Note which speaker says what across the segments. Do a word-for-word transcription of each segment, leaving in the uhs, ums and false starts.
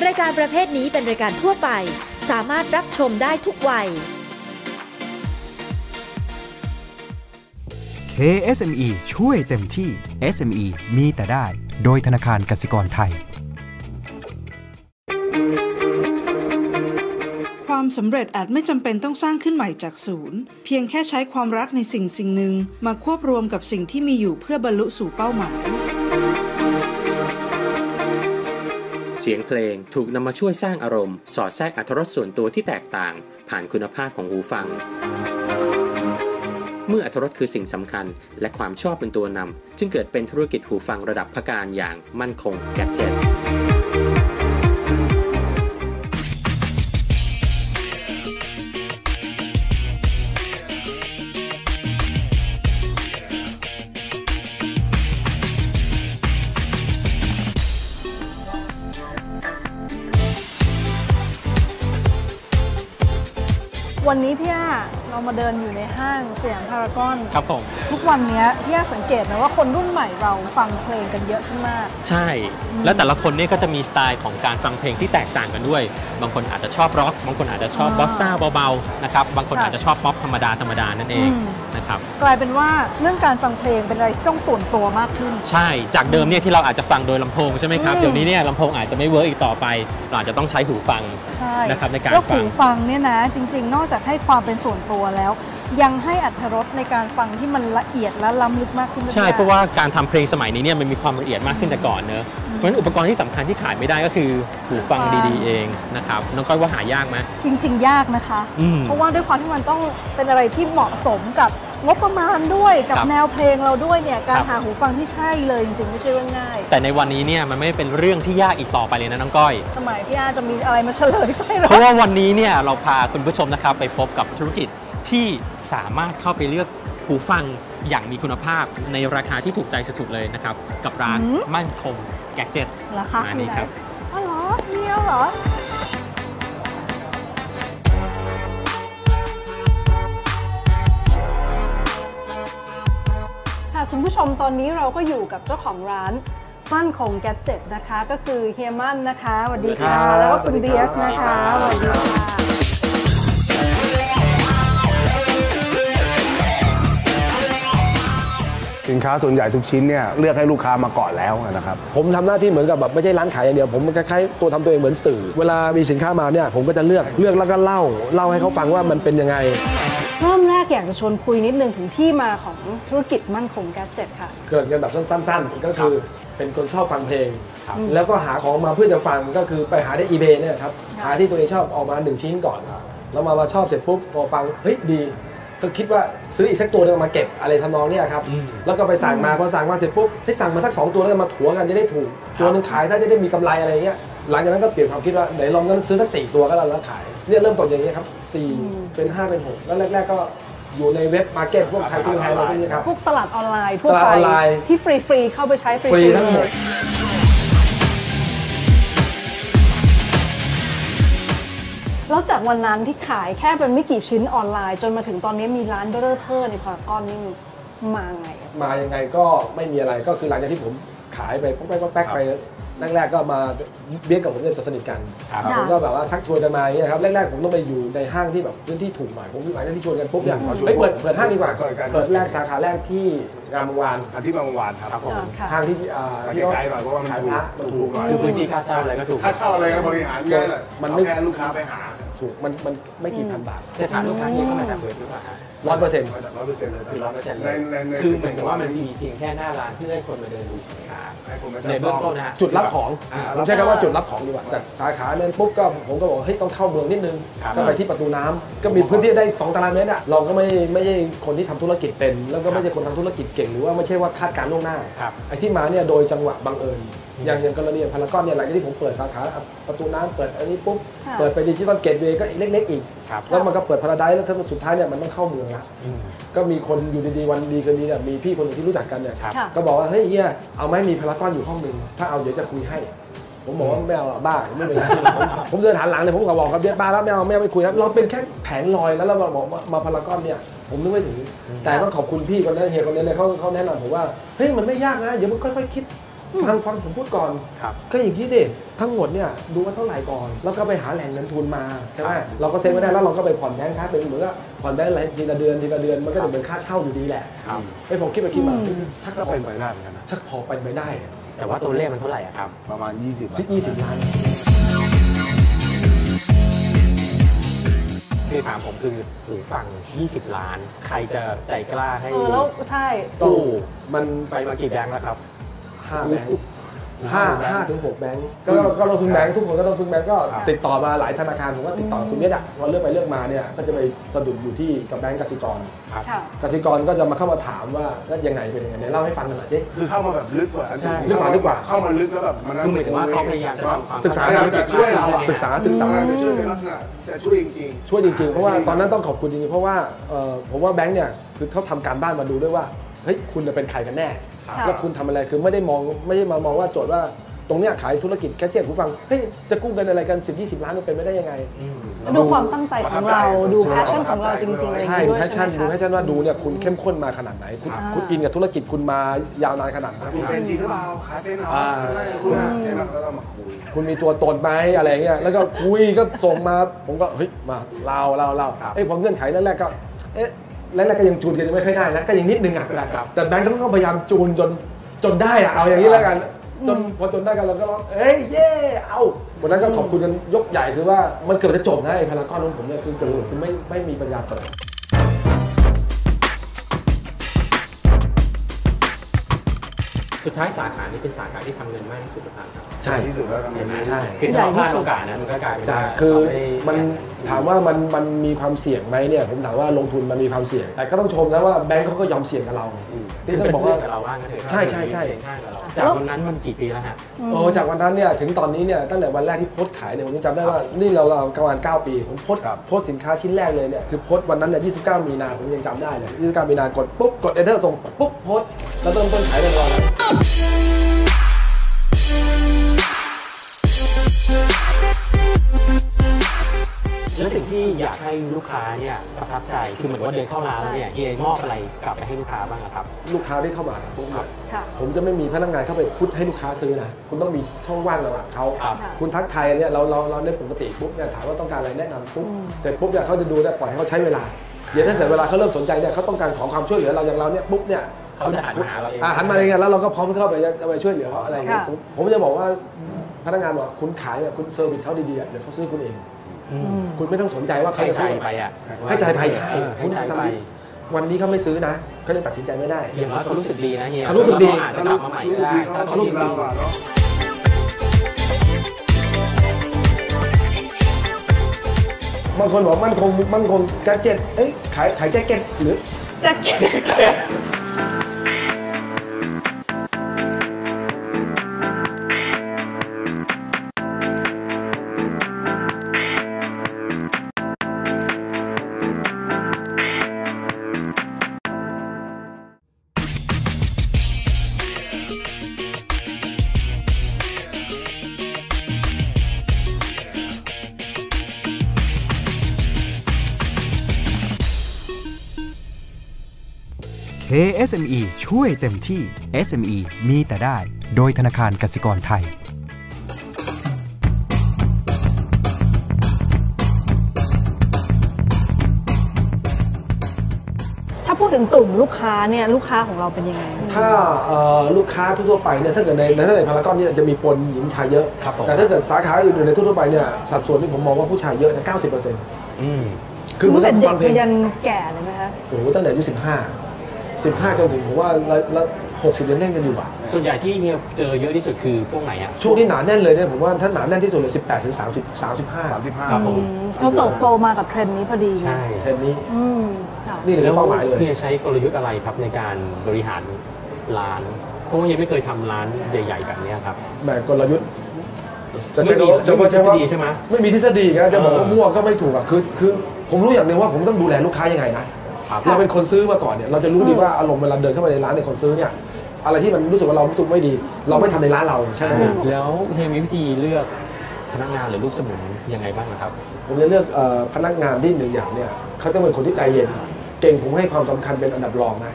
Speaker 1: รายการประเภทนี้เป็นรายการทั่วไปสามารถรับชมได้ทุกวัย
Speaker 2: เค เอส เอ็ม อี ช่วยเต็มที่ เอส เอ็ม อี มีแต่ได้โดยธนาคารกสิกรไทย
Speaker 3: ความสำเร็จอาจไม่จำเป็นต้องสร้างขึ้นใหม่จากศูนย์เพียงแค่ใช้ความรักในสิ่งสิ่งหนึ่งมาควบรวมกับสิ่งที่มีอยู่เพื่อบรรลุสู่เป้าหมาย
Speaker 4: เสียงเพลงถูกนำมาช่วยสร้างอารมณ์สอดแทรกอรรถรสส่วนตัวที่แตกต่างผ่านคุณภาพของหูฟังเมื่ออรรถรสคือสิ่งสำคัญและความชอบเป็นตัวนำจึงเกิดเป็นธุรกิจหูฟังระดับพักการอย่างมั่นคงแกดเจ็ต
Speaker 5: วันนี้พี่อาเรามาเดินอยู่ในห้างสยามพารากอน
Speaker 6: ครับผม
Speaker 5: ทุกวันนี้พี่อาสังเกตนะว่าคนรุ่นใหม่เราฟังเพลงกันเยอะขึ้นมาก
Speaker 6: ใช่แล้วแต่ละคนเนี่ยก็จะมีสไตล์ของการฟังเพลงที่แตกต่างกันด้วยบางคนอาจจะชอบร็อกบางคนอาจจะชอบบอสซ่าเบาๆนะครับบางคนอาจจะชอบป๊อปธรรมดาธรรมดานั่นเองนะครับ
Speaker 5: กลายเป็นว่าเรื่องการฟังเพลงเป็นอะไรที่ต้องส่วนตัวมากขึ้น
Speaker 6: ใช่จากเดิมเนี่ยที่เราอาจจะฟังโดยลำโพงใช่ไหมครับเดี๋ยวนี้เนี่ยลำโพงอาจจะไม่เวิร์กอีกต่อไปเราอาจจะต้องใช้หูฟังนะครับในการฟัง
Speaker 5: หูฟังเนี่ยนะจริงๆนอกจากให้ความเป็นส่วนตัวแล้วยังให้อรรถรสในการฟังที่มันละเอียดและล้ำลึกมากขึ้น
Speaker 6: ใช่เพราะว่าการทำเพลงสมัยนี้เนี่ยมันมีความละเอียดมากขึ้นแต่ก่อนเนอะเพราะฉะนั้นอุปกรณ์ที่สำคัญที่ขายไม่ได้ก็คือหูฟังดีๆเองนะครับน้องก้อยว่าหายากไหม
Speaker 5: จริงๆยากนะคะเพราะว่าด้วยความที่มันต้องเป็นอะไรที่เหมาะสมกับงบประมาณด้วยกับแนวเพลงเราด้วยเนี่ยการหาหูฟังที่ใช่เลยจริงๆไม่ใช่เรื่องง่าย
Speaker 6: แต่ในวันนี้เนี่ยมันไม่เป็นเรื่องที่ยากอีกต่อไปเลยนะน้องก้อย
Speaker 5: สมัยพี่อาจะมีอะไรมาเฉลยไปหรอ
Speaker 6: เพราะว่าวันนี้เนี่ยเราพาคุณผู้ชมนะครับไปพบกับธุรกิจที่สามารถเข้าไปเลือกหูฟังอย่างมีคุณภาพในราคาที่ถูกใจสุดๆเลยนะครับกับร้านมั่นคงแกดเจ็ต
Speaker 5: ราคา
Speaker 6: อันนี้ครับ
Speaker 5: อ๋อเหรอเดียวเหรอค่ะคุณผู้ชมตอนนี้เราก็อยู่กับเจ้าของร้านมั่นคงแกดเจ็ตนะคะก็คือเฮียมั่นนะคะสวัสดีค่ะแล้วก็คุณเบียสนะคะสวัสดีค่ะ
Speaker 7: สินค้าส่วนใหญ่ทุกชิ้นเนี่ยเลือกให้ลูกค้ามาก่อนแล้วนะครับผมทำหน้าที่เหมือนกับแบบไม่ใช่ร้านขายอย่างเดียวผมคล้ายๆตัวทำตัวเองเหมือนสื่อเวลามีสินค้ามาเนี่ยผมก็จะเลือกเลือกแล้วก็เล่าเล่าให้เขาฟังว่ามันเป็นยังไง
Speaker 5: เริ่มแรกอยากจะชวนคุยนิดนึงถึงที่มาของธุรกิจมั่นคงแกดเจ็ตค่ะ
Speaker 7: เกิดกันแบบสั้นๆก็คือเป็นคนชอบฟังเพลงแล้วก็หาของมาเพื่อจะฟังก็คือไปหาได้ อีเบย์ เนี่ยครับหาที่ตัวเองชอบออกมาหนึ่งชิ้นก่อนแล้วมามาชอบเสร็จปุ๊บพอฟังเฮ้ยดีก็คิดว่าซื้ออีกสักตัวนึงมาเก็บอะไรทำนองนี้ครับแล้วก็ไปสั่งมาพอสั่งมาเสร็จปุ๊บให้สั่งมาทั้งสองตัวแล้วมาถัวกันจะได้ถูกตัวนึงขายถ้าจะได้มีกำไรอะไรเงี้ยหลังจากนั้นก็เปลี่ยนความคิดว่าไหนลองกันซื้อทั้งสี่ตัวก็แล้วขายเนี่ยเริ่มต้นอย่างนี้ครับสี่เป็นห้าเป็นหกแล้วแรกๆก็อยู่ในเว็บมาร์เก็ตพวกไทยทูไทยอะไรพวกนี้ครับ
Speaker 5: พวกตลาดออนไลน์ทั่วไปที่ฟรีๆเข้าไปใช้ฟ
Speaker 7: รีทั้งหมด
Speaker 5: แล้วจากวันนั้นที่ขายแค่เป็นไม่กี่ชิ้นออนไลน์จนมาถึงตอนนี้มีร้านเบอร์เทอร์ในพารากอนนี่มาไง
Speaker 7: มายังไงก็ไม่มีอะไรก็คือหลังจากที่ผมขายไปปุ๊บแป๊กไปแรกๆก็มาเบี้ยกับผมจะสนิทกันผมก็แบบว่าชักชวนกันมาอย่างนี้ครับแรกๆผมต้องไปอยู่ในห้างที่แบบพื้นที่ถูกหน่อยผมหลังจากที่ชวนกันปุ๊บเนี่ยไม่เปิดเปิดห้างดีกว่าเปิดแรกสาขาแรกที่งามวงวาน
Speaker 8: ที่งามวงวานครับ
Speaker 7: ห้างที่
Speaker 8: ที่ไกลหน่อยเพราะว่ามันถูกมันถูกหน่อย
Speaker 6: คือพื้นที่ค่าเช่าอะไรก็ถูก
Speaker 8: ค่าเช่าอะไรก็บริหารง่ายเลยมันไม่แค่ลูกค้าไปหา
Speaker 7: ถูกมันมันไม่กี่พันบาท
Speaker 6: แต่ฐานลูกค้าที่เข้ามาจากเว็บหรือเปล่า
Speaker 7: ร้อยเปอร์เซ็นต์
Speaker 8: ร้อยเปอร์เซ็นต์เลย
Speaker 6: คือร้อยเปอร์เซ็นต์เลยคือเหมือนกับว่ามันมีเพียงแค่หน้าร้านเพื่อให้คนมาเดินดูสินค้าในเบื้องต้นนะ
Speaker 7: จุดรับของผมใช้คำว่าจุดรับของดีกว่าจากสาขาเนี่ยปุ๊บก็ผมก็บอกเฮ้ยต้องเข้าเมืองนิดนึงก็ไปที่ประตูน้ำก็มีพื้นที่ได้สองตารางเมตรอ่ะเราก็ไม่ไม่ใช่คนที่ทำธุรกิจเป็นแล้วก็ไม่ใช่คนทำธุรกิจเก่งหรือว่าไม่ใช่ว่าคาดการณ์ล่วงหน้าไอ้ที่มาเนี่ยโดยจังหวะบังเอิญอย่างอย่างกรณีพารากอนเนี่ยหลังจากที่ผมเปิดสาขาประตูน้ำเปิดอันนี้ปุ๊บเปิดไปดิจิตอลเกตเวย์ก็อีกเล็กๆอีกแล้วมันก็เปิดพาราไดซ์แล้วถ้าสุดท้ายเนี่ยมันต้องเข้าเมืองละก็มีคนอยู่ดีๆวันดีคืนดีเนี่ยมีพี่คนหนึ่งที่รู้จักกันเนี่ยก็บอกว่าเฮ้ยเฮียเอาไหมมีพารากอนอยู่ห้องนึงถ้าเอาเดี๋ยวจะคุยให้ผมบอกว่าไม่เอาหรอกบ้าไม่เป็นไรผมเดินหันหลังเลยผมก็บอกกับเบียร์ป้าแล้วไม่เอาไม่เอาไม่คุยครับเราเป็นแค่แผงลอยแล้วเราบอกมาพารากอนเนี่ยผมนึกไม่ถึงแต่ต้องขอบคุณพี่คนนั้นเฮียคนนั้นเลยเขาเขาแนะนำผมว่าเฮ้ยมันไม่ยากนะเดี๋ยวมันค่อยๆคิดฟังฟังผมพูดก่อนก็อย่างที่เด็กทั้งหมดเนี่ยดูว่าเท่าไหร่ก่อนแล้วก็ไปหาแหล่งเงินทุนมาใช่ไหมเราก็เซ็นไว้ได้แล้วเราก็ไปผ่อนแบงค์ค้าเป็นเหมือนกับผ่อนแบงค์อะไรทีละเดือนทีละเดือนมันก็จะเป็นค่าเช่าอยู่ดีแหละไอ้ผมคิดไปคิดมาถ้าก็เป็นไปได้เหมือนกันนะถ้าพอเป็นไปได้
Speaker 6: แต่ว่าตัวเลขมันเท่าไหร่ครับ
Speaker 8: ประมาณยี่สิบ
Speaker 7: ยี่สิบล้าน
Speaker 6: คือถามผมคือหูฟังยี่สิบล้านใครจะใจกล้าให้
Speaker 5: เออแล้วใช่
Speaker 6: ตู้มันไปมากี่แบงค์แล้วครับ
Speaker 7: ห้าแบงค์ห้าห้าถึงหกแบงค์ก็ก็เราพึ่งแบงค์ทุกคนก็ต้องพึ่งแบงค์ก็ติดต่อมาหลายธนาคารผมก็ติดต่อคุณเนี้ยอ่ะพอเลือกไปเลือกมาเนี่ยก็จะไปสะดุดอยู่ที่กับแบงค์กสิกรครับกสิกรก็จะมาเข้ามาถามว่าแล้วยังไงเป็นยังไงเนี่ยเล่าให้ฟังหน่อยสิ
Speaker 8: คือเข้ามาแบบลึกกว่า
Speaker 7: ลึกกว่าลึกกว่า
Speaker 8: เข้ามาลึกแล้วแบบมัน
Speaker 6: คือหมายถึงว่าเขาพยายามจะ
Speaker 7: ศึกษา
Speaker 8: จะช่วยเรา
Speaker 7: ศึกษาศึกษา
Speaker 8: จะช่วยในลักษณะจะช่วยจริง
Speaker 7: ๆช่วยจริงๆเพราะว่าตอนนั้นต้องขอบคุณจริงๆเพราะว่าผมว่าแบงค์เนี่ยคือเขาทำการบ้านมาดูด้วยว่าเฮ้ยคุณจะเป็นใครกันแน่แล้วคุณทำอะไรคือไม่ได้มองไม่ได้มามองว่าโจทย์ว่าตรงเนี้ยขายธุรกิจแคชเชียร์ผู้ฟังเฮ้ยจะกู้เงินอะไรกันสิบ ยี่สิบล้านมันเป็นไม่ได้ยังไง
Speaker 5: ดูความตั้งใจของเราดูแพชชั่นของเราจริงๆ
Speaker 7: ใช่แพชชั่นดูแพชชั่นว่าดูเนี่ยคุณเข้มข้นมาขนาดไหนคุณคุณอินกับธุรกิจคุณมายาวนานขนาดไหน
Speaker 8: คุณเป็นจริงหรือเปล่าขายเป็นหรอคุณเนี่ยแล้วเรามาคุย
Speaker 7: คุณมีตัวตนไหมอะไรเงี้ยแล้วก็คุยก็ส่งมาผมก็เฮ้ยมาเล่าเล่าเล่าเอ้ยพอเงื่อนไขแรกๆก็เอ๊ะแรกๆก็ยังจูนกันไม่ค่อยได้นะก็ยังนิดนึงอ่ะแต่แบงก์ก็ต้องพยายามจูนจนจนได้อ่ะเอาอย่างนี้แล้วกันจนพอจนได้กันเราก็ร้องเอ้ยเย่เอาวันนั้นก็ขอบคุณกันยกใหญ่คือว่ามันเกือบจะจบนะไอ้พารากอนของผมเนี่ยคือเกือบคือไม่ไม่มีปัญญาเปิด
Speaker 6: สุดท้ายสาขานี้เป็นสาขาที่ทำเงินมากที่สุดหรือเปล่าครับ
Speaker 7: ใช่
Speaker 8: ที่สุดแล้วทำเงิน
Speaker 7: ใช่
Speaker 6: คือเราพลาดโอกาสนะมันก็กลายเป็นว่า
Speaker 7: คือมันถามว่ามันมันมีความเสี่ยงไหมเนี่ยผมถามว่าลงทุนมันมีความเสี่ยงแต่ก็ต้องชมนะว่าแบงก์เขาก็ยอมเสี่ยงกับเรา
Speaker 6: ที่ต้องบอกว่าเราว่า
Speaker 7: ใช่ใช่ใช่
Speaker 6: จากวันนั้นมันกี่ปีแล้วฮะ
Speaker 7: โอ้จากวันนั้นเนี่ยถึงตอนนี้เนี่ยตั้งแต่วันแรกที่โพสต์ขายเนี่ยผมจำได้ว่านี่เราเราประมาณเก้าปีผมโพสต์โพสต์สินค้าชิ้นแรกเลยเนี่ยคือโพสต์วันนั้นเนี่ยยี่สิบเก้ามีนาผมยังจำได้เลยยี่สิบเก้ามีนากดปุ๊บกดเอเดอร์ส่งปุ๊บโพสต์แล้วเริ่มต้นขายเรียบร้อย
Speaker 6: แล้วสิ่งที่อยากให้ลูกค้าเนี่ยประทับใจคือเหมือนว่าเดินเข้าร้านแล้วเนี่ยเฮียมอบอะไรกลับไปให้ลูกค้าบ้างครับ
Speaker 7: ลูกค้าที่เข้ามาผมผมจะไม่มีพนักงานเข้าไปพุทให้ลูกค้าซื้อนะคุณต้องมีช่องว่างระหว่างเขาคุณทักทายเนี่ยเราเราเราในปกติปุ๊บเนี่ยถามว่าต้องการอะไรแนะนำปุ๊บเสร็จปุ๊บเนี่ยเขาจะดูได้ปล่อยให้เขาใช้เวลาเดี๋ยวถ้าเกิดเวลาเขาเริ่มสนใจเนี่ยเขาต้องการขอความช่วยเหลือเราอย่างเราเนี่ยปุ๊บเนี่ย
Speaker 6: เขาจะหันมาหาเราเอง
Speaker 7: หันมาเองแล้วเราก็พร้อมเข้าไปไปช่วยเหลือเขาอะไรอย่างเงี้ยผมจะบอกว่าพนักงานบอกคุณขายเนี่ยคุณเซอร์วิสเขาดีๆเดี๋ยวเขาซื้อคุณเองคุณไม่ต้องสนใจว่าเขาจะซื้อ
Speaker 6: ไปอ่ะ
Speaker 7: ให้ใจไปใช่
Speaker 6: ให้ใจไป
Speaker 7: วันนี้เขาไม่ซื้อนะเขาจะตัดสินใจไม่ได้
Speaker 6: อย่างว่าเขารู้สึกดีนะเฮีย
Speaker 7: เขารู้สึกดี
Speaker 6: อาจจะกลับมาใหม่ก็ได้
Speaker 8: เขารู้สึกดี
Speaker 7: บางคนบอกมั่นคงมั่นคงแจ็คเก็ตเอ้ยขายขายแจ็คเก็ตหรือ
Speaker 5: แจ็คเก็ต
Speaker 2: เค เอส เอ็ม อี ช่วยเต็มที่ เอส เอ็ม อี มีแต่ได้โดยธนาคารกสิกรไทย
Speaker 5: ถ้าพูดถึงกลุ่มลูกค้าเนี่ยลูกค้าของเราเป็นยังไง
Speaker 7: ถ้าลูกค้าทั่วไปเนี่ยถ้าเกิดในถ้าในพารากอนเนี่ยจะมีปนหญิงชายเยอะแต่ถ้าเกิดสาขาอื่นๆในทั่วไปเนี่ยสัดส่วนที่ผมมองว่าผู้ชายเยอะนะ เก้าสิบเปอร์เซ็นต์
Speaker 5: อืมคือมันเป็นเด็กยันแก่เลยไหมคะ
Speaker 7: โอ้โหตั้งแต่อายุสิบห้าสิบห้าจนถึงผมว่าแล้วหกสิบยังแน่นกันอยู่อ่ะ
Speaker 6: ส่วนใหญ่ที่เนี่ยเจอเยอะที่สุดคือพวกไหนอ่ะ
Speaker 7: ช่วงที่หนาแน่นเลยเนี่ยผมว่าถ้าหนาแน่นที่สุดเลยสิบแปดถึงสามสิบ สามสิบห้า
Speaker 8: สามสิบห้า
Speaker 7: ครับผม
Speaker 5: เขาโตโตมากับเทรนด์นี้พอดี
Speaker 6: ใช่
Speaker 7: เทรนด์นี้
Speaker 6: นี่เลยเป้าหมายเลยคือใช้กลยุทธ์อะไรครับในการบริหารร้านเพราะว่ายังไม่เคยทำร้านใหญ่ๆแบบนี้ครับ
Speaker 7: แบบกลยุทธ์
Speaker 6: จะไม่มีจะไม่ทฤษฎีใช่ไหม
Speaker 7: ไม่มีทฤษฎีนะจะบอกว่ามั่วก็ไม่ถูกอ่ะคือคือผมรู้อย่างนึงว่าผมต้องดูแลลูกค้ายังไงนะเราเป็นคนซื้อมาก่อนเนี่ยเราจะรู้ดีว่าอารมณ์เวลาเดินเข้ามาในร้านในคนซื้อเนี่ยอะไรที่มันรู้สึกว่าเรารู้สึกไม่ดีเราไม่ทำในร้านเราใช่ไหม
Speaker 6: แล้วเฮียมีวิธีเลือกพนักงานหรือลูกสมุนยังไงบ้างครับ
Speaker 7: ผมจะเลือกพนักงานที่หนึ่งอย่างเนี่ยเขาต้องเป็นคนที่ใจเย็นเก่งผมให้ความสำคัญเป็นอันดับรองนะ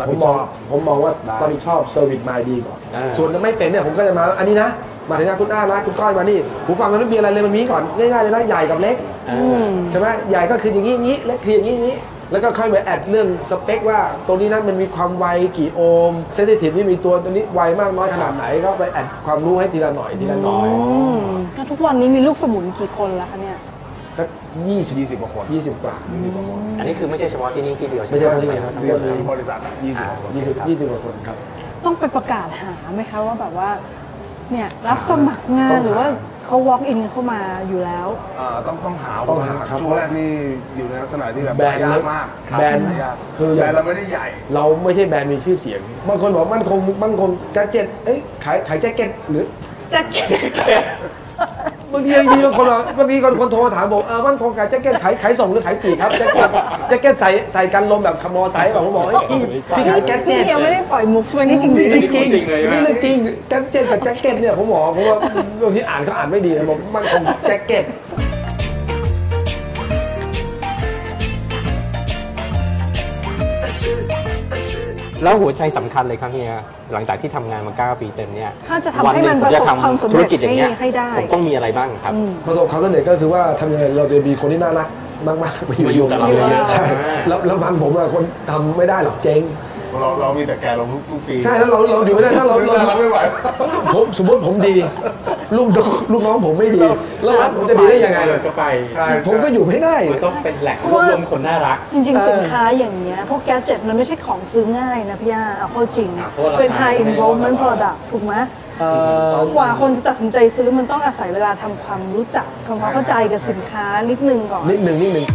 Speaker 7: ผมมองผมมองว่ารับผิดชอบเซอร์วิสมาดีก่อนส่วนไม่เป็นเนี่ยผมก็จะมาอันนี้นะมาถึงนะคุณอ้านะคุณก้อยมานี่หูฟังมันไม่มีอะไรเลยมันมีก่อนง่ายๆเลยนะใหญ่กับเล็กใช่ไหมใหญ่ก็คืออย่างนี้อย่างนี้เล็กคืออย่างนี้อย่างนี้แล้วก็ค่อยมาแอดเรื่องสเปคว่าตัวนี้นะมันมีความไวกี่โอห์มเซนซิทีฟนี่มีตัวตัวนี้ไวมากน้อยขนาดไหนก็ไปแอดความรู้ให้ทีละหน่อยทีละหน่อย
Speaker 5: แล้วทุกวันนี้มีลูกสมุนกี่คนแล้วคะเนี่ย
Speaker 7: สักยี่สิบ
Speaker 8: ยี่สิบกว่าคน
Speaker 7: ยี่สิบกว่า
Speaker 6: อันนี้คือไม่ใช่เฉพาะที่นี่ที่เดียว
Speaker 7: ไม่ใช่ที่นี่ครับ
Speaker 8: ที่บริษัทยี่สิบกว่าคน
Speaker 7: ยี่สิบยี่สิบกว่าคนครับ
Speaker 5: ต้องไปประกาศหาไหมคะว่าแบบว่าเนี่ยรับสมัครงานหรือว่าเขา walk in เข้ามาอยู่แล้ว
Speaker 8: ต้องต้องหาต้องหาครับช่วงแรกนี่อยู่ในลักษณะที่แบบ
Speaker 7: แบรนด์เล็ก
Speaker 8: มาก
Speaker 7: แบรนด์
Speaker 8: คือแบรนด์เราไม่ได้ใหญ่
Speaker 7: เราไม่ใช่แบรนด์มีชื่อเสียงบางคนบอกมั่นคงมั่นคงแจ็คเก็ตเอ้ยขายขายแจ็คเก็ตหรือ
Speaker 5: แจ็คเก็ต
Speaker 7: บางทีบางทีบางคนบางทีคนโทรมาถามบอกเออมั่นคงขายแจ็คเก็ตขายขายส่งหรือขายปลีกครับแจ็คเก็ตแจ็คเก็ตใส่ใส่กันลมแบบขโมยใส่บอกผมบอกพี่พี่ขายแจ็คเก็ต
Speaker 5: ยังไม่ได้ปล่อยมุกใช่ไหมนี่จริง
Speaker 7: จริงจริงนี่เรื่องจริงแจ็คเก็ตกับแจ็คเก็ตเนี่ยผมบอกผมว่าบางทีอ่านก็อ่านไม่ดีนะบอกมั่นคงแจ็คเก็ต
Speaker 6: แล้วหัวใจสำคัญเลยครับเฮียหลังจากที่ทำงานมาเก้าปีเต็มเนี่ย
Speaker 5: ถ้าจะทำให้มันประสบความสำเร็จให้ได้
Speaker 6: ผมต้องมีอะไรบ้างครับ
Speaker 7: ประสบความสำเร็จก็คือว่าทำยังไงเราจะมีคนที่น่ารักมากๆ
Speaker 6: มาอยู่กับเรา
Speaker 7: ใช่แล้วแล้วบางผมอะคนทำไม่ได้หรอกเจ๊ง
Speaker 8: เราเรามีแต่แกลงทุกปี
Speaker 7: ใช่แล้วเราเราอยู่ไม่ได้ถ้าเรา
Speaker 8: เราไม่ไหว
Speaker 7: ผมสมมติผมดีลูกลูกน้องผมไม่ดีแล้วผมจะดีได้ยังไง
Speaker 6: ก็ไป
Speaker 7: ผมก็อยู่ไม่ได้
Speaker 6: ต้องเป็นแหล่งรวบรวมคนน่ารัก
Speaker 5: จริงๆสินค้าอย่างเงี้ยพวกแกจ็ตมันไม่ใช่ของซื้อง่ายนะพี่ย่าเอาเข้าจริงเป็น high involvement product ถูกไหมกว่าคนจะตัดสินใจซื้อมันต้องอาศัยเวลาทำความรู้จักทำความเข้าใจกับสินค้านิดนึงก่อน
Speaker 7: นิดนึงนิดนึง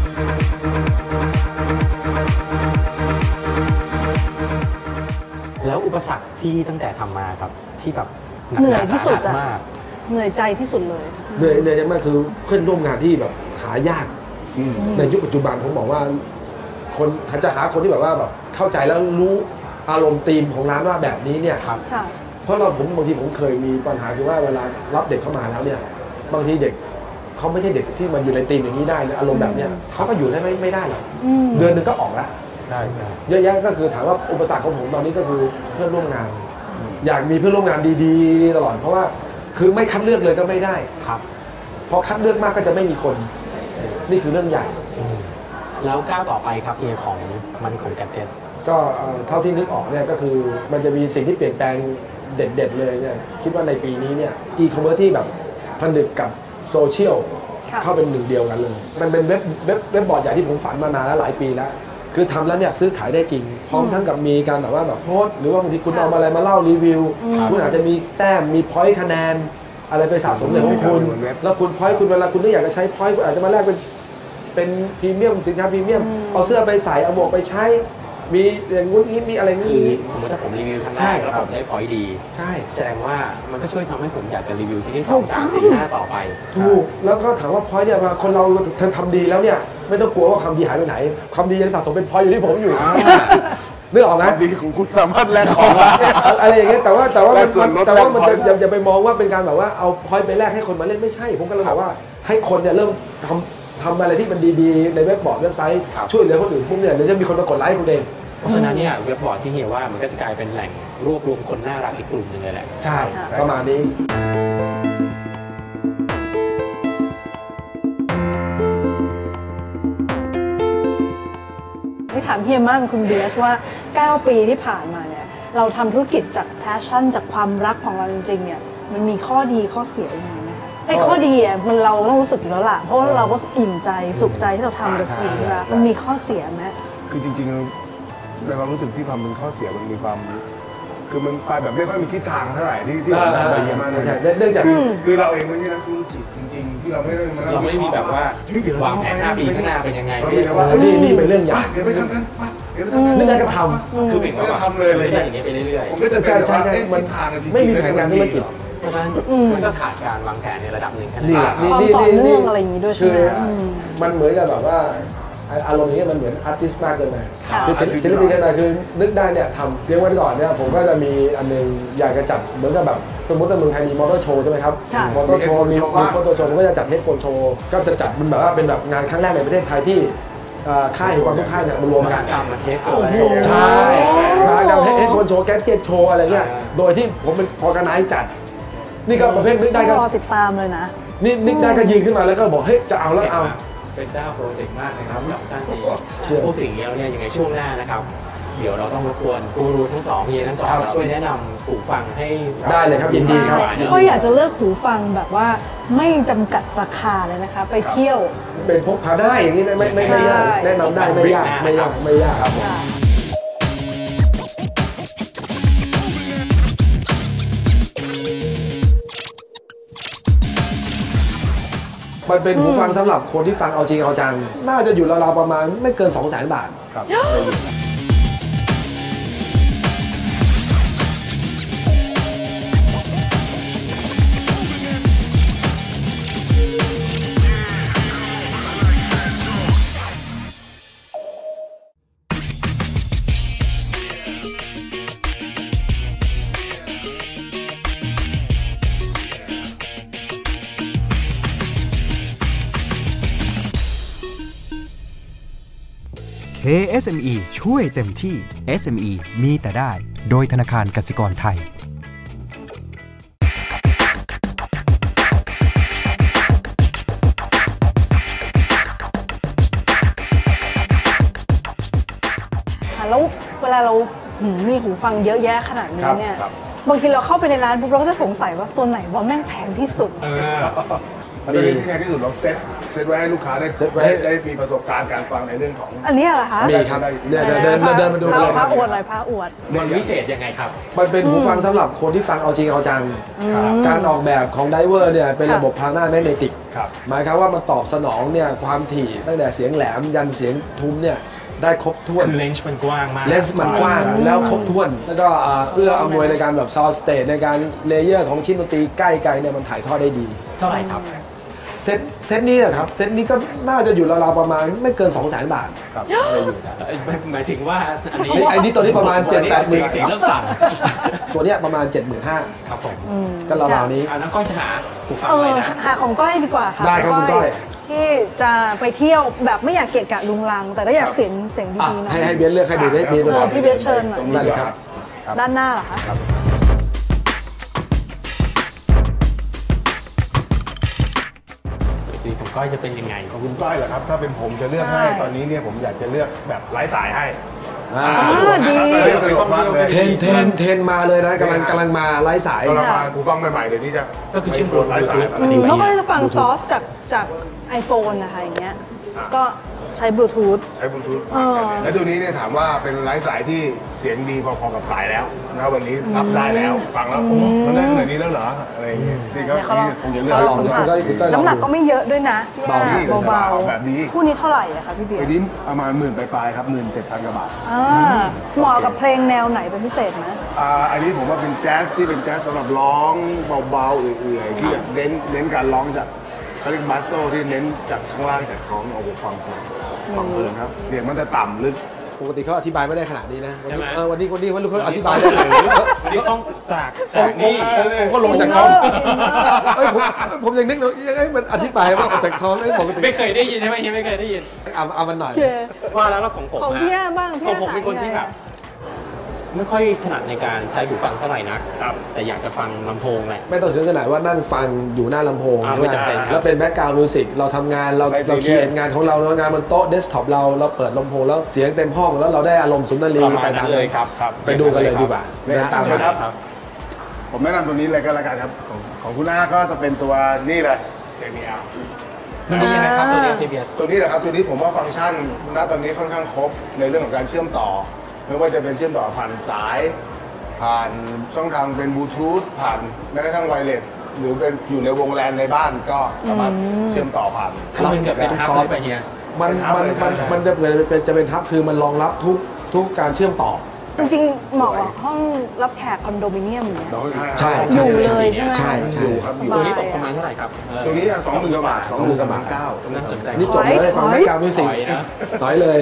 Speaker 6: แล้วอุปสรรคที่ตั้งแต่ทำมาครับที่แบบ
Speaker 5: เหนื่อยที่สุดอะเหนื่อยใจที่สุดเลย
Speaker 7: เหนื่อยเหนื่อยมากคือเพื่อนร่วมงานที่แบบหายากในยุคปัจจุบันผมบอกว่าคนจะหาคนที่แบบว่าแบบเข้าใจแล้วรู้อารมณ์ธีมของร้านว่าแบบนี้เนี่ยครับเพราะเราผมบางทีผมเคยมีปัญหาคือว่าเวลารับเด็กเข้ามาแล้วเนี่ยบางทีเด็กเขาไม่ใช่เด็กที่มันอยู่ในธีมอย่างนี้ได้อารมณ์แบบเนี้ยเขาก็อยู่ได้ไม่ไม่ได้หรอกเดือนนึงก็ออกแล้ว
Speaker 6: ใช่ใช่
Speaker 7: เยอะแยะก็คือถามว่าอุปสรรคของผมตอนนี้ก็คือเพื่อนร่วมงานอยากมีเพื่อนร่วมงานดีๆตลอดเพราะว่าคือไม่คัดเลือกเลยก็ไม่ได้
Speaker 6: ครับ
Speaker 7: พอคัดเลือกมากก็จะไม่มีคนนี่คือเรื่องใหญ่
Speaker 6: แล้วก้าวต่อไปครับเอของมันของแกดเจ็ต
Speaker 7: ก็เท่าที่นึกออกเนี่ยก็คือมันจะมีสิ่งที่เปลี่ยนแปลงเด็ดๆเลยเนี่ยคิดว่าในปีนี้เนี่ยอีคอมเมิร์ซที่แบบผนึกกับโซเชียลเข้าเป็นหนึ่งเดียวกันเลยมันเป็นเว็บเว็บเว็บบอร์ดใหญ่ที่ผมฝันมานานแล้วหลายปีแล้วคือทำแล้วเนี่ยซื้อขายได้จริงพร้อมทั้งกับมีการแบบว่าแบบโพสหรือว่าบางทีคุณเอาอะไรมาเล่ารีวิวคุณอาจจะมีแต้มมีพอยต์คะแนนอะไรไปสะสมในของคุณแล้วคุณพอยต์คุณเวลาคุณไม่อยากจะใช้พอยต์คุณอาจจะมาแลกเป็นเป็นพรีเมียมสินค้าพรีเมียมเอาเสื้อไปใส่เอาหมวกไปใช้มีอย่างงู้นนี้มีอะไร
Speaker 6: นี้สมมติถ้าผมรีวิวครั้งแรกแล้วผมได้พอยต์ดี
Speaker 7: ใช่
Speaker 6: แสดงว่ามันก็ช่วยทำให้ผมอยากจะรีวิวที่ที่สองสามสี่ห้าต่อไป
Speaker 7: ถูกแล้วก็ถามว่าพอยต์เนี่ยคนเราทำดีแล้วเนี่ยไม่ต้องกลัวว่าความดีหายไปไหนความดียังสะสมเป็นพอยต์อยู่ที่ผมอยู่นึกออกนะ
Speaker 8: ดีของคุณสามารถแลกของ
Speaker 7: อะไรอย่างเงี้ยแต่ว่าแต่ว่าแต่ว่ามันจะอย่าไปมองว่าเป็นการแบบว่าเอาพอยต์ไปแลกให้คนมาเล่นไม่ใช่ผมก็เลยบอกว่าให้คนเนี่ยเริ่มทำทำอะไรที่มันดีๆในเว็บบอร์ดเว็บไซต์ช่วยเหลือคนอื่นพวกเนี่ยเดี๋ยวจะมีคนมากดไลค์คุณเอง
Speaker 6: เพราะฉะนั้นเนี่ยเว็บบอร์ดที่เฮียว่ามันก็จะกลายเป็นแหล่งรวบรวมคนน่ารักอีกกลุ่มหนึ่งเลยแหละ
Speaker 7: ใช่ประมาณนี้
Speaker 5: ถามเฮียมั่นคุณเบียสว่าเก้าปีที่ผ่านมาเนี่ยเราทำธุรกิจจากแพชชั่นจากความรักของเราจริงๆเนี่ยมันมีข้อดีข้อเสียยังไงไหมคะไอ้ข้อดีอ่ะมันเราต้องรู้สึกอยู่แล้วล่ะเพราะว่าเราก็อิ่มใจสุขใจที่เราทำกับสิ่งที่รักมันมีข้อเสียไหม
Speaker 8: คือจริงๆในความรู้สึกที่ความเป็นข้อเสียมันมีความคือมันไปแบบไม่ค่อยมีทิศทางเท่าไหร่ที่ที่เราทำไปเยอะมากเลย
Speaker 7: เนื่องจาก
Speaker 8: คือเราเองไม่ใช่นักธุรกิจจริงๆที่เราไม่ได้
Speaker 6: เราไม่มีแบบว่าวางแผนห้าปีข้างหน้าเป็นยังไง
Speaker 7: นี่นี่เป็นเรื่องใหญ่
Speaker 8: เดี๋ยวไปทำกัน
Speaker 7: เดี๋ยวไปทำกันนี่ได้ก็ทำ
Speaker 6: คือเป็นว่า
Speaker 8: ทำเลยเลย
Speaker 6: อย่างนี้ไปเรื่อย
Speaker 8: ๆผมก็จะใช่ใช่ใช่มัน
Speaker 7: ไม่มีแผนงานธุรกิจ
Speaker 6: เพราะฉะนั้นมันก็ขาดการวางแผนในระดับหนึ่งแค่นั้น
Speaker 5: นี่นี่นี่นี่อะไรอย่างนี้ด้วยใช่ไหม
Speaker 7: มันเหมือนกับแบบว่าอารมณ์นี้มันเหมือนอาร์ติสต์มากเกินไปคือศิลปินกันไปคือนึกได้เนี่ยทำเรียกว่าก่อนเนี่ยผมก็จะมีอันนึงอยากจะจัดเหมือนกับแบบสมมติว่าเมืองไทยมีมอเตอร์โชว์ใช่ไหมครับมอเตอร์โชว์มีโฟโต้โชว์ผมก็จะจัดเฮดโฟนโชว์ก็จะจัดมันแบบว่าเป็นแบบงานครั้งแรกในประเทศไทยที่ค่ายความทุกค่ายเนี่ยมารวมกัน
Speaker 6: ทำมาเทสโฟน
Speaker 7: ใช่การให้คนโชว์แกจิตโชว์อะไรเงี้ยโดยที่ผมเป็นออร์แกไนซ์จัดนี่ก็ประเภทนึกได้ก็
Speaker 5: รอติดตามเลยนะ
Speaker 7: นี่นึกได้ก็ยิงขึ้นมาแล้วก็บอกเฮ้ยจะเอาแล้วเอา
Speaker 6: เป็นเจ้าโปรเจกต์มากนะครับสำหรับท่านที่พูดถึงแล้วเนี่ยยังไงช่วงหน้านะครับเดี๋ยวเราต้องรบกวนกูรูทั้งสองเฮียทั้งสองช่วยแนะนำหูฟังให้
Speaker 7: ได้เลยครับยินดีครับ
Speaker 5: ก็อยากจะเลือกหูฟังแบบว่าไม่จำกัดราคาเลยนะคะไปเที่ยว
Speaker 7: เป็นพกพาได้อย่างนี้ไม่ไม่ไม่ยากแนะนำได้ไม่ยากไม่ยากไม่ยากครับมันเป็นหูฟังสำหรับคนที่ฟังเอาจริงเอาจังน่าจะอยู่ราวๆประมาณไม่เกิน สองแสน บาทครับ
Speaker 2: เค เอส เอ็ม อี ช่วยเต็มที่ เอส เอ็ม อี มีแต่ได้โดยธนาคารกสิกรไทย
Speaker 5: แล้วเวลาเรามีหูฟังเยอะแยะขนาดนี้เนี่ยบางทีเราเข้าไปในร้านปุ๊บเราก็จะสงสัยว่าตัวไหนว่าแม่งแพงที่สุด
Speaker 8: ตัวนี้ที่แพงที่สุดเราเซ็ตเซ็ตไว้ให้ลูกค้าได้ได้ได้มีประสบการณ์การฟังในเรื่องของ
Speaker 5: อันนี้เหรอคะ
Speaker 7: มีครับเดินเดินเดินมาดู
Speaker 5: เลยพระอวดเลยพระอวด
Speaker 6: มันพิเศษยังไงครับ
Speaker 7: มันเป็นหูฟังสำหรับคนที่ฟังเอาจริงเอาจังการออกแบบของไดเวอร์เนี่ยเป็นระบบพานาแมกเนติกหมายความว่ามันตอบสนองเนี่ยความถี่ตั้งแต่เสียงแหลมยันเสียงทุ้มเนี่ยได้ครบถ้วน
Speaker 6: คือเลนส์มันกว้างมาก
Speaker 7: เลนส์มันกว้างแล้วครบถ้วนแล้วก็เอื้ออำนวยในการแบบซาวด์สเตจในการเลเยอร์ของชิ้นดนตรีใกล้ไกลเนี่ยมันถ่ายทอดได้ดี
Speaker 6: เท่าไหร่ครับ
Speaker 7: เซตเซตนี้นะครับเซตนี้ก็น่าจะอยู่ราวๆประมาณไม่เกิน สองแสน บาทครับ
Speaker 6: หมายถึงว่า
Speaker 7: อันนี้ไอ้นี่ตัวนี้ประมาณ เจ็ดแปด หมื่น
Speaker 6: เสียงเริ่มสั่น
Speaker 7: ตัวเนี้ยประมาณ เจ็ดหมื่นห้าพัน
Speaker 6: ครับผม
Speaker 7: ก็ราวๆนี้
Speaker 6: อ่าน้องก้อยจะหาหูฟังอะไรนะ
Speaker 5: หาของก้อยดีกว่าค่ะ
Speaker 7: ได้ครับคุณก้อย
Speaker 5: ที่จะไปเที่ยวแบบไม่อยากเกะกะลุงลังแต่ก็อยากเสียงเสียงดีๆหน่อย
Speaker 7: ให้ให้เบนเลือกให้ดูได้เบนตัวไหน
Speaker 5: พี่เบนเชิญหน่อย
Speaker 7: ได้เลยครับ
Speaker 5: ด้านหน้าเหรอคะ
Speaker 6: ของก้อยจะเป็นยังไง
Speaker 8: ของคุณก้อยเหรอครับถ้าเป็นผมจะเลือกให้ตอนนี้เนี่ยผมอยากจะเลือกแบบไร้สายให้
Speaker 5: ดี
Speaker 7: เทนเทนเทนมาเลยนะกำลังกำลังมาไร้สาย
Speaker 8: เรามากูฟังใหม่ๆเดี๋ยวนี้จะ
Speaker 6: ก็คือชื่อ
Speaker 8: ไร้สาย
Speaker 5: เขาก็จะฟังซอสจากจากไอโฟนนะคะอย่างเงี้ยก็ใช้บลูทูธ
Speaker 8: ใช้บลูทูธแล้วตัวนี้เนี่ยถามว่าเป็นไร้สายที่เสียงดีพอๆกับสายแล้วนะวันนี้รับได้แล้วฟังแล้วโอ้มันได้ขนาดนี้แล้วเหรออะไรอย่างเงี้ยนี่ก็คงจะเลือก
Speaker 5: ลองน้ำหนักก็ไม่เยอะด้วยนะ
Speaker 8: เบาเบาแบบนี้
Speaker 5: คู่นี้เท่าไหร่อะคะพี่เบียร์
Speaker 8: คู่นี้ประมาณหมื่นปลายๆครับหมื่นเจ็ดพันกว่าบาท
Speaker 5: เหมาะกับเพลงแนวไหนเป็นพิเศษไหม
Speaker 8: อ่าอันนี้ผมว่าเป็นแจ๊สที่เป็นแจ๊สสำหรับร้องเบาๆเอื่อยๆที่แบบเน้นเน้นการร้องจากเขาเรียกบัสโซที่เน้นจากข้างล่างจากท้องเอาไปฟังฟังฟังเพลินครับเสียงมันจะต่ำลึก
Speaker 7: ปกติเขาอธิบายไม่ได้ขนาดนี้นะวันนี้วันนี้วันนี้เขาอธิบาย
Speaker 6: ได้เลยวันนี้ต้องจากจากนี่
Speaker 7: ผมก็ลงจากท้องผมผมยังนึกเลยยังไงมันอธิบายว่าออกจากท้องได้ปกติ
Speaker 6: ไม่เคยได้ยินใช่ไหมเฮียไม่เคยได้ยิน
Speaker 7: เอาเอามันหน่อย
Speaker 6: ว่าแล้วของผม
Speaker 5: ของพี่บ้าง
Speaker 6: ของผมเป็นคนที่แบบไม่ค่อยถนัดในการใช้หูฟังเท่าไหร่นักแต่อยากจะฟังลำโพงแหละ
Speaker 7: ไม่ต้องถึงขนาดว่านั่งฟังอยู่หน้าลำโพงแล้วเป็นแบ็คกราวด์มิวสิกเราทำงานเราเราเขียนงานของเรางานบนโต๊ะเดสก์ท็อปเราเราเปิดลำโพงแล้วเสียงเต็มห้องแล้วเราได้อารมณ์สุนทรีไปตาม
Speaker 6: เลยครับ
Speaker 7: ไปดูกันเลยดีกว่า
Speaker 8: เดินตามครับผมแนะนำตัวนี้เลยก็แล้วกันครับของคุณอาก็จะเป็นตัวนี่เลย เจ บี แอล
Speaker 6: มันดียังไงครับตัวนี้ ที บี เอส
Speaker 8: ตัวนี้แหละครับตัวนี้ผมว่าฟังก์ชันณตอนนี้ค่อนข้างครบในเรื่องของการเชื่อมต่อไม่ว่าจะเป็นเชื่อมต่อผ่านสายผ่านช่องทางเป็นบลูทูธผ่านแม้กระทั่งไวเลสหรือเป็นอยู่ในวงแลนในบ้านก็สามารถเชื่อมต่อผ่าน
Speaker 6: คือมันเกิดเป็นทับไปเฮีย
Speaker 7: มันมันมันมันจะเป็นจะเป็นทับคือมันรองรับทุกทุกการเชื่อมต่อ
Speaker 5: จริงๆเหมาะกับห้องรับแขกคอนโดมิเนียมเนี่ย
Speaker 7: ใช่
Speaker 5: อยู่เลยใช่ไหม
Speaker 7: ใช่ใช่
Speaker 8: ครับ
Speaker 6: ตัวนี้ตกประมาณเท่าไหร่ครับ
Speaker 8: ตัวนี้สองหมื่นกว่าบาทสองหมื่นสามเก้า
Speaker 6: น่าสนใจ
Speaker 7: นี่จบเลยฟังแบ็คกราวด์มิวสิกสอยเลย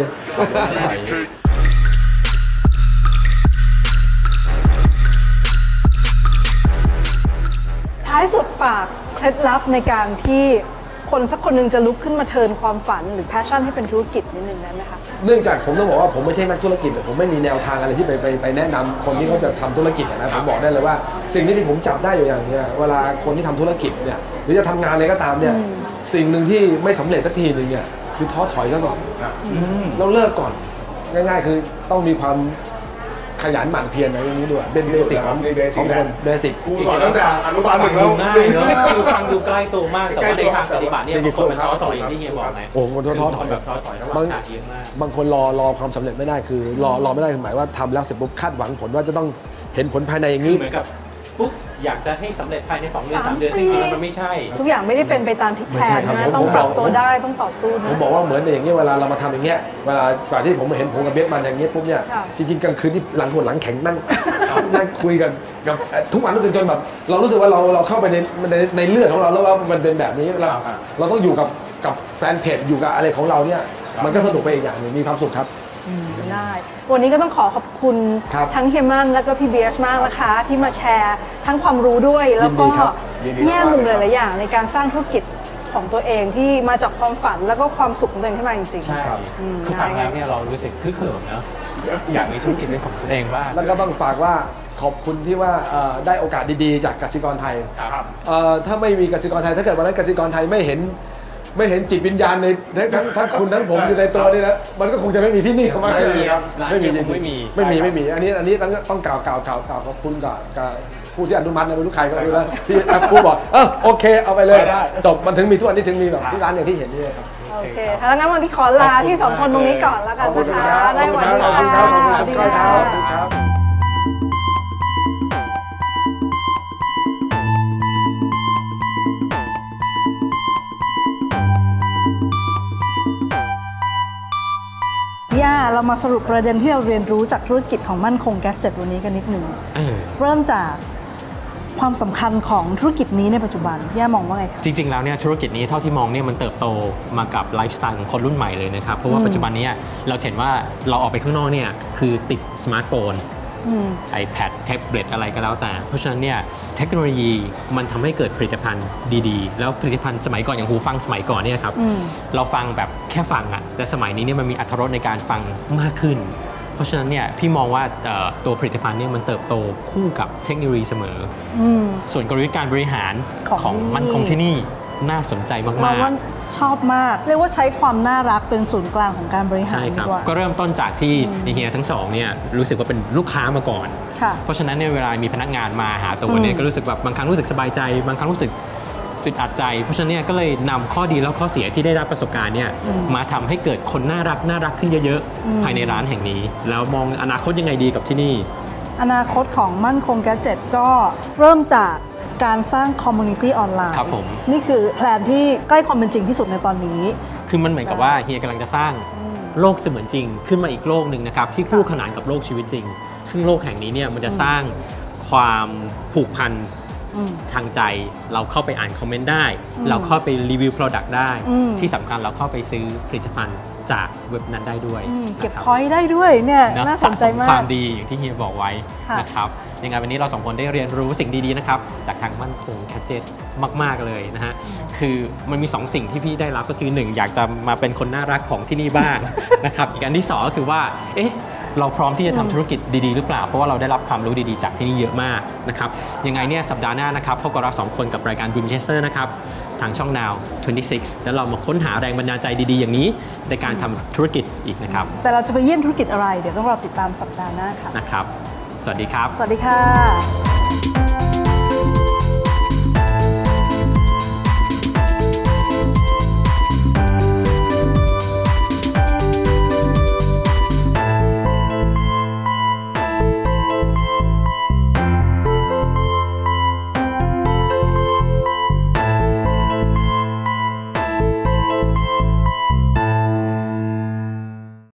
Speaker 5: ท้ายสุดฝากเคล็ดลับในการที่คนสักคนหนึ่งจะลุกขึ้นมาเทิร์นความฝันหรือแพชชั่นให้เป็นธุรกิจนิดนึงได้ไหมคะ
Speaker 7: เนื่องจากผมต้องบอกว่าผมไม่ใช่นักธุรกิจผมไม่มีแนวทางอะไรที่ไปไปไปแนะนำคนที่เขาจะทำธุรกิจนะผมบอกได้เลยว่าสิ่งที่ที่ผมจับได้อยู่อย่างเนี้ยเวลาคนที่ทำธุรกิจเนี่ยหรือจะทำงานอะไรก็ตามเนี่ยสิ่งหนึ่งที่ไม่สำเร็จสักทีหนึ่งเนี่ยคือท้อถอยซะก่อนเราเลิกก่อนง่ายๆคือต้องมีความขยันหมั่นเพียรอะไรอย่างนี้ด้วยเป็นเบสิกของของคนเบสิก
Speaker 8: ครูสอนตั้งแต่อนุบาลหนึ่งแล้ว
Speaker 6: ง่ายเนอะคือฟังดูใกล้ตัวมากแต่ว่าในทางปฏิบัติเนี่ยบางคนมันท้อถอยอย่างที่เฮียบอกไง
Speaker 7: โอ้คนท้อถอย
Speaker 6: แบบท้อถอยระหว่างทางเยอะมาก
Speaker 7: บางคนรอรอความสำเร็จไม่ได้คือรอรอไม่ได้หมายว่าทำแล้วเสร็จปุ๊บคาดหวังผลว่าจะต้องเห็นผลภายในอย่างนี้
Speaker 6: เหมือนกับปุ๊บอยากจะให้สำเร็จภายในสองเดือนสามเดือนจริงๆมันไม่ใช่
Speaker 5: ทุกอย่างไม่ได้เป็นไปตามที่แผนนะต้องปรับตัวได้ต้องต่อสู้นะ
Speaker 7: ผมบอกว่าเหมือนอย่างเงี้ยเวลาเรามาทำอย่างเงี้ยเวลาก่อนที่ผมเห็นผมกับเบสมันอย่างเงี้ยปุ๊บเนี่ยจริงๆกลางคืนที่หลังหัวหลังแข็งนั่งนั่งคุยกันกับทุกวันทุกคืนจนแบบเรารู้สึกว่าเราเราเข้าไปในในในเลือดของเราแล้วว่ามันเป็นแบบนี้เราเราต้องอยู่กับกับแฟนเพจอยู่กับอะไรของเราเนี่ยมันก็สนุกไปอีกอย่างนึงมีความสุขครับ
Speaker 5: ได้วันนี้ก็ต้องขอขอบคุณทั้งเฮียมันและก็พี่เบียสมากนะคะที่มาแชร์ทั้งความรู้ด้วยแล้วก็แง่มุมหลายๆอย่างในการสร้างธุรกิจของตัวเองที่มาจากความฝันแล้วก็ความสุขของตัวเองขึ้นมาจริงๆ
Speaker 6: ใช่คือฟังแล้วเนี่ยเรารู้สึกคึกเขิมเนาะอยากมีธุรกิจเป็นของตัวเองบ้าง
Speaker 7: แล้วก็ต้องฝากว่าขอบคุณที่ว่าได้โอกาสดีๆจากกสิกรไทยถ้าไม่มีกสิกรไทยถ้าเกิดวันนั้นกสิกรไทยไม่เห็นไม่เห็นจิตวิญญาณในทั้งทั้งคุณทั้งผมอยู่ในตัวนี่นะมันก็คงจะไม่มีที่นี่เข้ามา
Speaker 6: ไม่มีครับ
Speaker 7: ไม่มี
Speaker 6: ไม่มี
Speaker 7: ไม่มีไม่มีอันนี้อันนี้ต้องต้องกล่าวกล่าวกล่าวกล่าวขอบคุณกับกับผู้ที่อนุมัตินะไม่รู้ใครก็ไม่รู้นะที่ผู้บอกเออโอเคเอาไปเลยจบมันถึงมีทุกอันนี้ถึงมีแบบที่ร้านอย่างที่เห็นนี่ครับ
Speaker 5: โอเคถ้างั้นวันนี้ขอลาที่สองคนตรงนี้ก่อนแล้วกันนะคะได้วันนี้ค่ะสวัสดีครับย่าเรามาสรุปประเด็นที่เราเรียนรู้จากธุรกิจของมั่นคงแกดเจ็ตวันนี้กันนิดหนึ่งเริ่มจากความสำคัญของธุรกิจนี้ในปัจจุบันย่ามองว่าไงคะ
Speaker 6: จริงๆแล้วเนี่ยธุรกิจนี้เท่าที่มองเนี่ยมันเติบโตมากับไลฟ์สไตล์ของคนรุ่นใหม่เลยนะครับเพราะว่าปัจจุบันนี้เราเห็นว่าเราออกไปข้างนอกเนี่ยคือติดสมาร์ทโฟนiPad แท็บเล็ตอะไรก็แล้วแต่เพราะฉะนั้นเนี่ยเทคโนโลยีมันทำให้เกิดผลิตภัณฑ์ดีๆแล้วผลิตภัณฑ์สมัยก่อนอย่างหูฟังสมัยก่อนเนี่ยครับเราฟังแบบแค่ฟังอะแต่สมัยนี้เนี่ยมันมีอรรถรสในการฟังมากขึ้นเพราะฉะนั้นเนี่ยพี่มองว่าตัวผลิตภัณฑ์เนี่ยมันเติบโตคู่กับเทคโนโลยีเสมอส่วนกลยุทธ์การบริหารของมั่นคงที่นี่น่าสนใจมากๆเราว่า
Speaker 5: ชอบมากเรียกว่าใช้ความน่ารักเป็นศูนย์กลางของการบริหาร
Speaker 6: ใช่ครับก็เริ่มต้นจากที่เฮียทั้งสองเนี่ยรู้สึกว่าเป็นลูกค้ามาก่อนเพราะฉะนั้นในเวลามีพนักงานมาหาตัวเนี่ยก็รู้สึกแบบบางครั้งรู้สึกสบายใจบางครั้งรู้สึกอึดอัดใจเพราะฉะนั้นเนี่ยก็เลยนำข้อดีแล้วข้อเสียที่ได้รับประสบการณ์เนี่ยมาทำให้เกิดคนน่ารักน่ารักขึ้นเยอะๆภายในร้านแห่งนี้แล้วมองอนาคตยังไงดีกับที่นี่
Speaker 5: อนาคตของมั่นคงแกดเจ็ตก็เริ่มจากการสร้างคอมมูนิตี้ออนไลน์
Speaker 6: ครับผม
Speaker 5: นี่คือแพลนที่ใกล้ความเป็นจริงที่สุดในตอนนี้
Speaker 6: คือมันเหมือนกับว่าเฮียกำลังจะสร้างโลกเสมือนจริงขึ้นมาอีกโลกหนึ่งนะครับที่คู่ขนานกับโลกชีวิตจริงซึ่งโลกแห่งนี้เนี่ยมันจะสร้างความผูกพันทางใจเราเข้าไปอ่านคอมเมนต์ได้เราเข้าไปรีวิว Product ได้ที่สำคัญเราเข้าไปซื้อผลิตภัณฑ์จากเว็บนั้นได้ด้วย
Speaker 5: เก็บพอยต์ได้ด้วยเนี่ยน่าสนใจมาก
Speaker 6: ความดีอย่างที่เฮียบอกไว้นะครับยังไงวันนี้เราสองคนได้เรียนรู้สิ่งดีๆนะครับจากทางมั่นคงแกดเจ็ตมากๆเลยนะฮะคือมันมีสองสิ่งที่พี่ได้รับก็คือหนึ่งอยากจะมาเป็นคนน่ารักของที่นี่บ้างนะครับอีกอันที่สองก็คือว่าเอ๊ะเราพร้อมที่จะทำธุรกิจดีๆหรือเปล่าเพราะว่าเราได้รับความรู้ดีๆจากที่นี่เยอะมากนะครับยังไงเนี่ยสัปดาห์หน้านะครับพบกับเราสองคนกับรายการ Winchester นะครับทางช่อง Now ยี่สิบหกแล้วเรามาค้นหาแรงบันดาลใจดีๆอย่างนี้ในการทำธุรกิจอีกนะครับ
Speaker 5: แต่เราจะไปเยี่ยมธุรกิจอะไรเดี๋ยวต้องรอติดตามสัปดาห์หน้าค่ะ
Speaker 6: นะครับสวัสดีครับ
Speaker 5: สวัสดีค่ะ